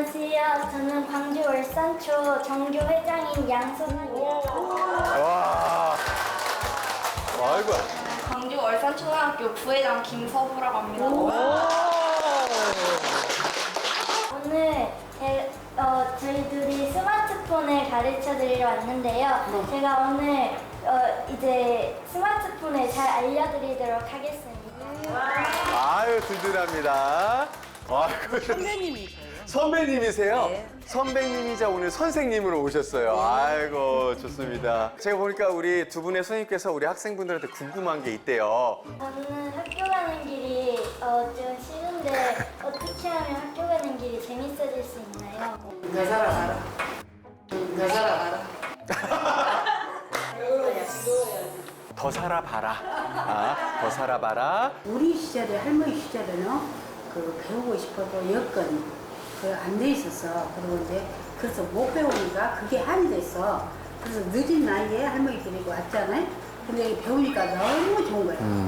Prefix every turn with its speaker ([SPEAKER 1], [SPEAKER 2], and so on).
[SPEAKER 1] 안녕하세요. 저는 광주 월산초 정교 회장인 양소나입니다.
[SPEAKER 2] 와. 아이고.
[SPEAKER 3] 광주 월산초등학교 부회장 김서부라고 합니다.
[SPEAKER 1] 오늘 저희들이 스마트폰을 가르쳐 드리러 왔는데요. 제가 오늘 이제 스마트폰을 잘 알려드리도록 하겠습니다.
[SPEAKER 2] 아유, 든든합니다. 아이고.
[SPEAKER 4] 선배님이세요?
[SPEAKER 2] 선배님이세요?
[SPEAKER 4] 네.
[SPEAKER 2] 선배님이자 오늘 선생님으로 오셨어요. 아이고, 좋습니다. 제가 보니까 우리 두 분의 선생님께서 우리 학생분들한테 궁금한 게 있대요.
[SPEAKER 1] 저는 학교 가는 길이 좀 싫은데 어떻게 하면 학교 가는 길이 재밌어질 수 있나요?
[SPEAKER 4] 너 살아가라. 너 살아가라.
[SPEAKER 2] 더 살아봐라. 아, 더 살아봐라.
[SPEAKER 5] 우리 시절에 할머니 시절에는 그 배우고 싶어도 여건 안 돼 있었어. 그리고 이제 그래서 못 배우니까 그게 한이 됐어. 그래서 늦은 나이에 할머니 데리고 왔잖아요. 근데 배우니까 너무 좋은 거야.